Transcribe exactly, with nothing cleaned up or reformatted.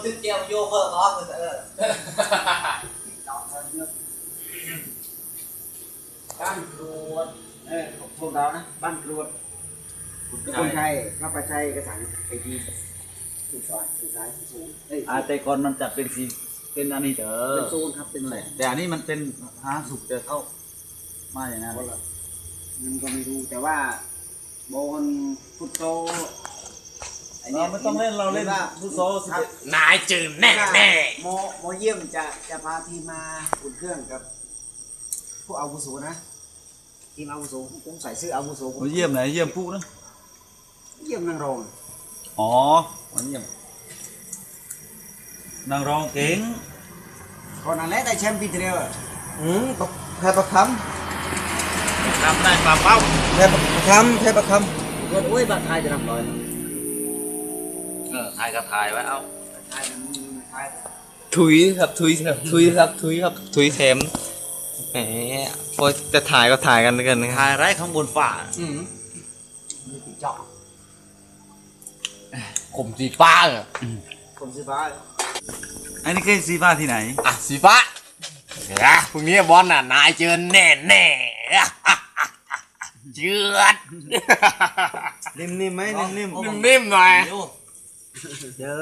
ตึ๊ดเจียวโยเพิ่มร้อนเลยเออบ้านกรวดเออพวกเรานะบ้านกรวดคนไทยข้าพเจ้ากระสังไอทีสุดซอยสุดซ้ายสูงอาแต่ก่อนมันจะเป็นสีเป็นอันนี้เด้อเป็นโซนครับเป็นอะไรแต่อันนี้มันเป็นหาสุกจะเข้ามาอย่างนั้นมันก็ไม่รู้แต่ว่าบอลฟุตโซเราไม่ต้องเล่นเราเล่นฟุตซอลนายจืดแน่แน่โมโมเยี่ยมจะจะพาทีมมาอุ่นเครื่องกับพวกอาวุโสนะทีมอาวุโสผมใส่เสื้ออาวุโสผมเยี่ยมไหนเยี่ยมผู้นะเยี่ยมนางรองอ๋อเยี่ยมนางรองเก่งก่อนนั้นแหละได้แชมป์ปีที่แล้วอืมแพ้ประคทำได้ปลาเป้าำแพ้ประคำแพ้ประคำก็โอ้ยบัตรไทยจะทำร้อยเออถ่ายก็ถ่ายไว้เอาไทยไทยถุยครับถุยครับถุยครับถุยครับถุยแถมแหมพอจะถ่ายก็ถ่ายกันกันนะถ่ายไร้ข้างบนฝ่าอืมมีติดเจาะผมสีฟ้าอ่ะผมสีฟ้าอันนี้คือสีฟ้าที่ไหนอ่ะสีฟ้าเดี๋ยวพรุ่งนี้บอลน่ะนายเจอแน่แน่เจือดนิ่มๆไหมนิ่มๆนิ่มๆหน่อย